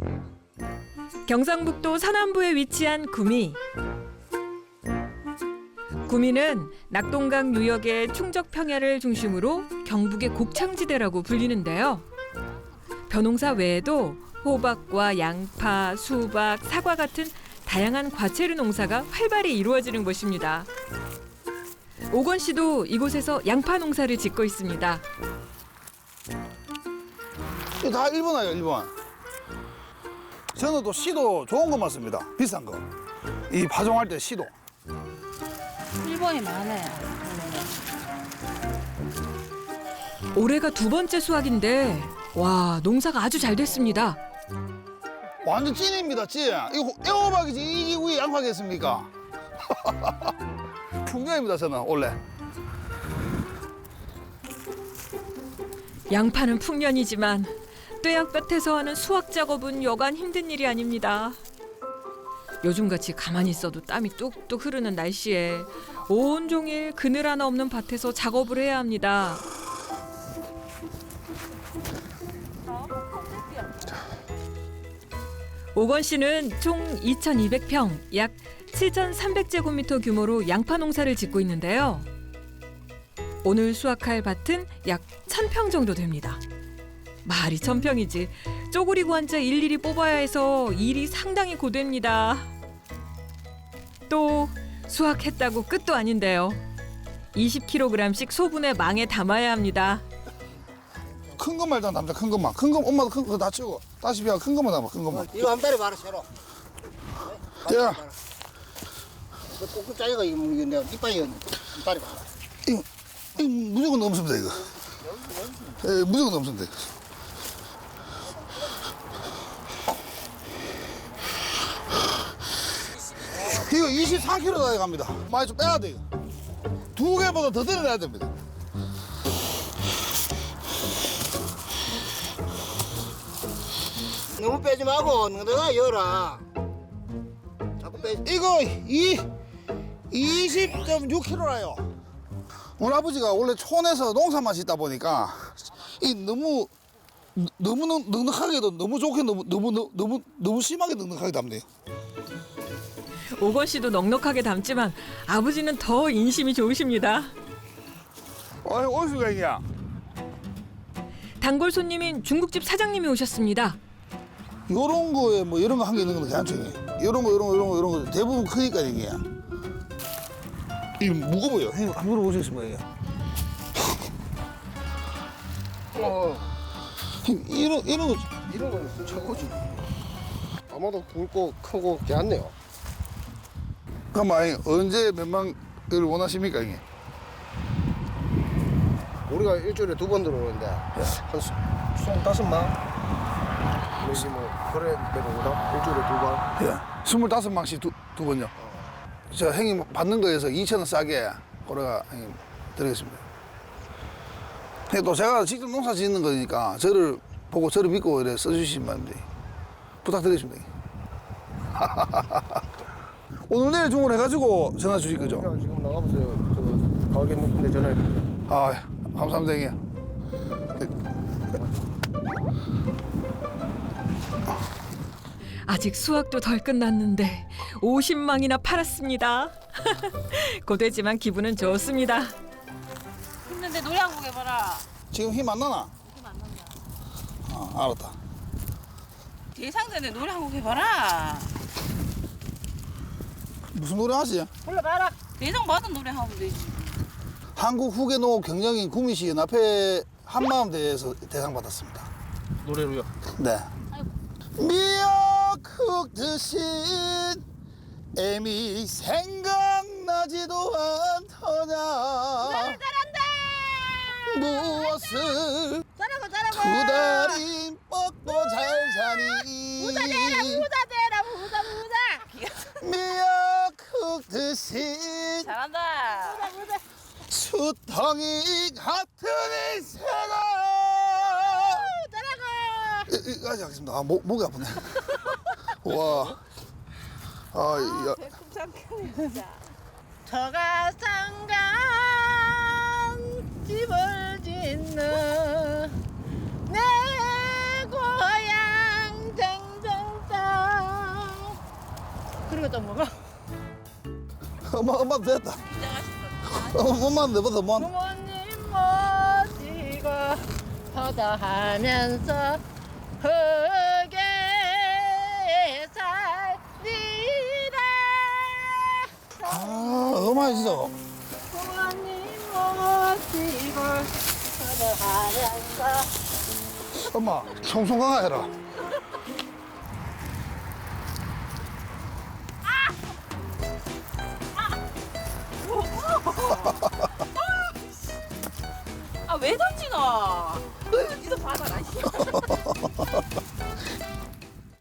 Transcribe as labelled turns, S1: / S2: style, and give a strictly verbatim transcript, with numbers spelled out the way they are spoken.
S1: 경상북도 서남부에 위치한 구미. 구미는 낙동강 유역의 충적 평야를 중심으로 경북의 곡창지대라고 불리는데요. 벼농사 외에도 호박과 양파, 수박, 사과 같은 다양한 과채류 농사가 활발히 이루어지는 곳입니다. 오건 씨도 이곳에서 양파 농사를 짓고 있습니다.
S2: 이거 다 일본 아니에요, 일본. 저는 또 씨도 좋은 것만 씁니다. 비싼 거. 이 파종할 때 씨도.
S3: 일본이 많아요.
S1: 올해가 두 번째 수확인데 와, 농사가 아주 잘 됐습니다.
S2: 완전 찐입니다, 찐. 이거 애호박이지 이게 왜 양파겠습니까? 풍년입니다, 저는 원래.
S1: 양파는 풍년이지만 뙤약 끝에서 하는 수확 작업은 여간 힘든 일이 아닙니다. 요즘같이 가만히 있어도 땀이 뚝뚝 흐르는 날씨에 온종일 그늘 하나 없는 밭에서 작업을 해야 합니다. 오건 씨는 총 이천이백 평, 약 칠천삼백 제곱미터 규모로 양파 농사를 짓고 있는데요. 오늘 수확할 밭은 약 천 평 정도 됩니다. 말이 천 평이지 쪼그리고 앉아 일일이 뽑아야 해서 일이 상당히 고됩니다. 또 수확했다고 끝도 아닌데요. 이십 킬로그램씩 소분해 망에 담아야 합니다.
S2: 큰 것만 일단 담자, 큰 것만. 큰 거, 엄마도 큰 거 다 치우고. 다시 비하 큰 것만 담아, 큰 것만.
S4: 이거 한 달에 말아 새로.
S2: 자,
S4: 그 꼭꼭 짜리가 이거 내가 이빨이 한 달에 말아.
S2: 이거, 이거 무조건 넘습니다, 이거. 예, 무조건 넘습니다. 이거 이십사 킬로그램 갑니다. 많이 좀 빼야 돼요. 두 개보다 더 들어내야 됩니다.
S4: 너무 빼지 말고 너가 열어. 자꾸 빼.
S2: 이거 이 이십 점 육 킬로그램라요. 우리 아버지가 원래 촌에서 농사만 짓다 보니까 이 너무 너무 넉- 넉넉하게도 너무 좋게 너무 너무 너무 너무, 너무 심하게 넉넉하게 담네요.
S1: 오건 씨도 넉넉하게 담지만 아버지는 더 인심이 좋으십니다.
S2: 어이 어디가 이냐?
S1: 단골 손님인 중국집 사장님이 오셨습니다.
S2: 요런 거에 뭐 이런 거 한 개 있는 건 괜찮죠. 이런 거 이런 거 이런 거 이런 거 대부분 크니까 이게 이 무거워요. 형님 한번 물어보시겠습니까 이게?
S4: 어,
S2: 형님, 이런 이런 거
S4: 이런 건 최고지. 아마도 굵고 크고 괜찮네요.
S2: 잠깐만 언제 몇만 을 원하십니까 이게?
S4: 우리가 일주일에 두 번 들어오는데 한 스물다섯 만. 그러지 뭐 그래 내려오다 일주일에 두 번.
S2: 예, 스물다섯 망씩 두, 두 번요. 저 형님 받는 거에서 이천 원 싸게 고래가 형님 드리겠습니다. 근데 또 제가 직접 농사 짓는 거니까 저를 보고 저를 믿고 이래 써주시면 됩니다. 부탁드리겠습니다. 오늘 내일 주문해가지고 전화 주실 거죠?
S4: 그냥 지금 나가보세요. 저 가게 높은데 전화해.
S2: 아, 감사합니다 형님.
S1: 아직 수확도 덜 끝났는데 오십 망이나 팔았습니다. 고되지만 기분은 좋습니다.
S3: 힘든데 노래 한 곡 해봐라.
S2: 지금 힘 안 나나?
S3: 힘 안 난다.
S2: 아, 알았다.
S3: 대상자인데 노래 한 곡 해봐라.
S2: 무슨 노래 하지?
S3: 불러봐라. 대상 받은 노래 하면 되지.
S2: 한국 후계농업 경영인 구미시 연합회 한마음 대회에서 대상 받았습니다.
S4: 노래로요?
S2: 네. 미역국 드신 애미 생각나지도 않더냐.
S3: 잘한다.
S2: 무엇을
S3: 잘하고 잘하고.
S2: 두 달이 먹고 잘 자니.
S3: 부자 되라 부자 되라 부자 부자.
S2: 미역국 드신
S3: 잘한다. 부자 부자.
S2: 수덩이 같은 인생아.
S3: 잘하고.
S2: 여기까지 하겠습니다. 아, 목, 목이 아프네. 와. 아, 야.
S3: 저가상간 집을 짓는 내 고향 쟁쟁 이거 좀 먹어.
S2: 엄마, 엄마 됐다. 엄마, 엄마는 내보다 뭐 하나?
S3: 부모님 모시고 포도하면서 흙에 살리라.
S2: 아, 너무 맛있어.
S3: 부모님 모시고 포도하면서
S2: 엄마, 송송 강화해라.